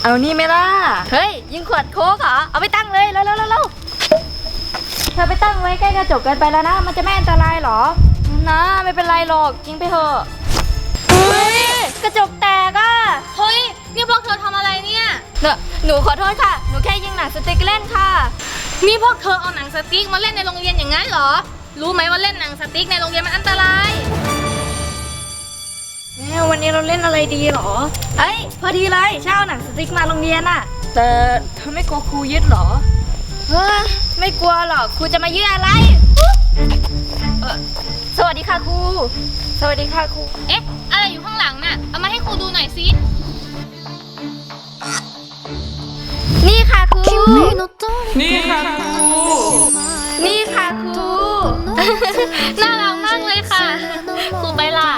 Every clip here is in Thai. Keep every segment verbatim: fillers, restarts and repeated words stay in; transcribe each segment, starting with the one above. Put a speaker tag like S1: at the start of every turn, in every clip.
S1: เอานี่ไหมล่ะเฮ้ยยิงขวดโค้กเหรอเอาไปตั้งเลยเร็วเร็วเร็วเธอไปตั้งไว้ใกล้กระจกเกินไปแล้วนะมันจะไม่อันตรายหรอนะไม่เป็นไรหรอกยิงไปเถอะเฮ้ยกระจกแตกอ่ะ
S2: เฮ้ยนี่พวกเธอทำอะไรเนี่ย
S1: เนอะหนูขอโทษค่ะหนูแค่ยิงหนังสติ๊กเล่นค่ะ
S2: นี่พวกเธอเอาหนังสติ๊กมาเล่นในโรงเรียนอย่างนั้นเหรอรู้ไหมว่าเล่นหนังสติ๊กในโรงเรียนมันอันตราย
S1: วันนี้เราเล่นอะไรดีหรอเอ้ยพอดีเลยเช่าหนังสติ๊กมาโรงเรียนอะแต่เธอไม่กลัวครูยึดหรอเฮ้ยไม่กลัวหรอกครูจะมายึดอะไรเออสวัสดีค่ะครูสวัสดีค่ะครู
S2: เอ๊ะอะไรอยู่ข้างหลังน่ะเอามาให้ครูดูหน่อยสิ
S1: นี่ค่ะครู
S3: นี่ค่ะครู
S1: นี่ค่ะครู
S2: น่ารักมากเลยค่ะครูไปล่ะ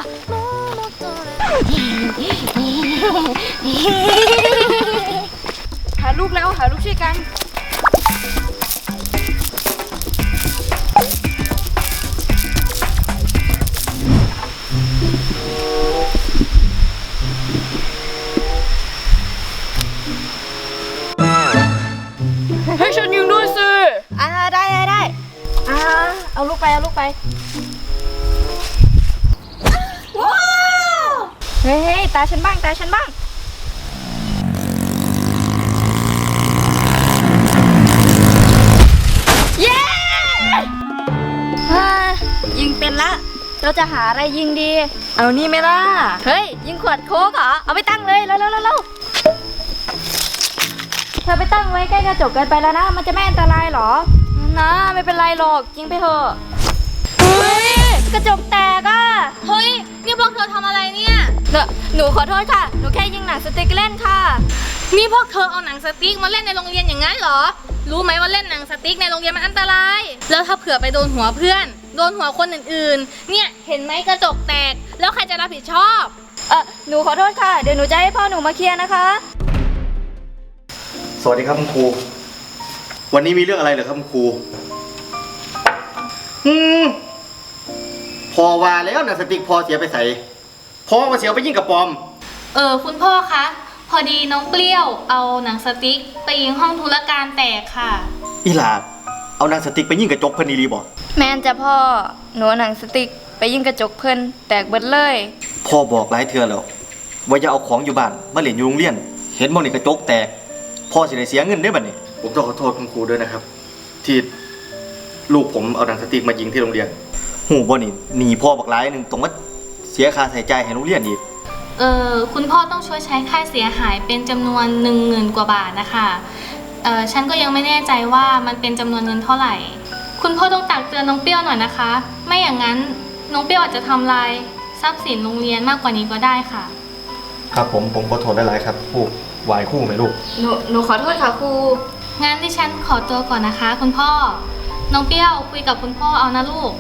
S1: หารูปแล้วหารูปช่วยกันให้ฉันยิงด้วยสิอ่าได้ได้ได้อ่าเอาลูกไปเอาลูกไปว้าวเฮ้ยตาฉันบ้างตาฉันบ้างเย้ยิงเป็นละเราจะหาอะไรยิงดีเอานี่ไหมล่ะเฮ้ยยิงขวดโค้กเหรอเอาไปตั้งเลยเร็วเร็วเร็วเธอไปตั้งไว้ใกล้กระจกเกินไปแล้วนะมันจะไม่อันตรายหรอนะไม่เป็นไรหรอกยิงไปเถอะเฮ้ยกระจกแตกอ่ะ
S2: เฮ้ยนี่พวกเธอทำอะไรเนี่ย
S1: เนอะหนูขอโทษค่ะหนูแค่ยิงหนังสติ๊กเล่นค่ะ
S2: นี่พวกเธอเอาหนังสติ๊กมาเล่นในโรงเรียนอย่างนั้นเหรอรู้ไหมว่าเล่นหนังสติ๊กในโรงเรียนมันอันตรายแล้วถ้าเผื่อไปโดนหัวเพื่อนโดนหัวคนอื่นๆเนี่ยเห็นไหมกระจกแตกแล้วใครจะรับผิดชอบ
S1: เออหนูขอโทษค่ะเดี๋ยวหนูจะให้พ่อหนูมาเคลียร์นะคะ
S4: สวัสดีครับคุณครูวันนี้มีเรื่องอะไรเหรอครับคุณครูอืมพอว่าแล้วนะสติ๊กพอเสียไปใส่พอมาเสียไปยิงกับปอม
S2: เออคุณพ่อคะพอดีน้องเปรี้ยวเอาหนังสติ๊กไปยิงห้องธุรการแตกค่ะ
S4: อีหลาดเอาหนังสติ๊กไปยิงกระจกเพิ่นอีหลีบ่
S1: แม่นจะพ่อหนูหนังสติ๊กไปยิงกระจกเพิ่นแตกเบิดเลย
S4: พ่อบอกหลายเทื่อแล้วว่าอย่าเอาของอยู่บ้านมาเล่นอยู่โรงเรียนเห็นบ่นี่กระจกแตกพ่อสิได้เสียเงินได้บัดนี้ผมต้องขอโทษคุณครูด้วยนะครับที่ลูกผมเอาหนังสติ๊กมายิงที่โรงเรียนหูบ่นี่หนีพ่อบักหลายนึงต้องมาเสียค่าใช้จ่ายให้โรงเรียนอีก
S2: เออคุณพ่อต้องช่วยใช้ค่าเสียหายเป็นจำนวนหนึ่งหมื่นกว่าบาทนะคะเออฉันก็ยังไม่แน่ใจว่ามันเป็นจำนวนเงินเท่าไหร่คุณพ่อต้องตักเตือนน้องเปรี้ยวหน่อยนะคะไม่อย่างนั้นน้องเปรี้ยวอาจจะทำลายทรัพย์สินโรงเรียนมากกว่านี้ก็ได้ค่ะ
S4: ครับผมผมขอโทษหลายๆครับครูวายคู่ไหมลูก
S1: หนูหนูขอโทษค่ะครู
S2: งั้นดิฉันขอตัวก่อนนะคะคุณพ่อน้องเปรี้ยวคุยกับคุณพ่อเอานะลูก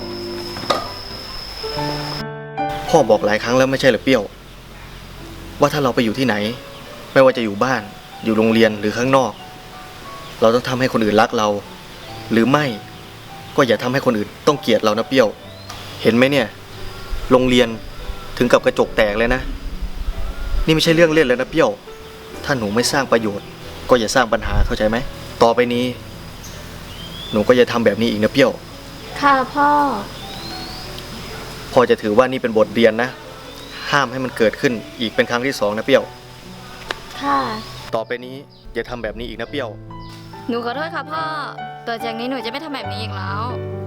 S4: พ่อบอกหลายครั้งแล้วไม่ใช่หรือเปรี้ยวว่าถ้าเราไปอยู่ที่ไหนไม่ว่าจะอยู่บ้านอยู่โรงเรียนหรือข้างนอกเราต้องทำให้คนอื่นรักเราหรือไม่ก็อย่าทำให้คนอื่นต้องเกลียดเรานะเปรี้ยวเห็นไหมเนี่ยโรงเรียนถึงกับกระจกแตกเลยนะนี่ไม่ใช่เรื่องเล่นเลยนะเปรี้ยวถ้าหนูไม่สร้างประโยชน์ก็อย่าสร้างปัญหาเข้าใจไหมต่อไปนี้หนูก็อย่าทำแบบนี้อีกนะเปรี้ยว
S1: ค่ะพ่อ
S4: พ่อจะถือว่านี่เป็นบทเรียนนะห้ามให้มันเกิดขึ้นอีกเป็นครั้งที่สองนะเปรี้ยว
S1: ค่ะ
S4: ต่อไปนี้อย่าทำแบบนี้อีกนะเปรี้ยว
S1: หนูขอโทษค่ะพ่อต่อจากนี้หนูจะไม่ทำแบบนี้อีกแล้ว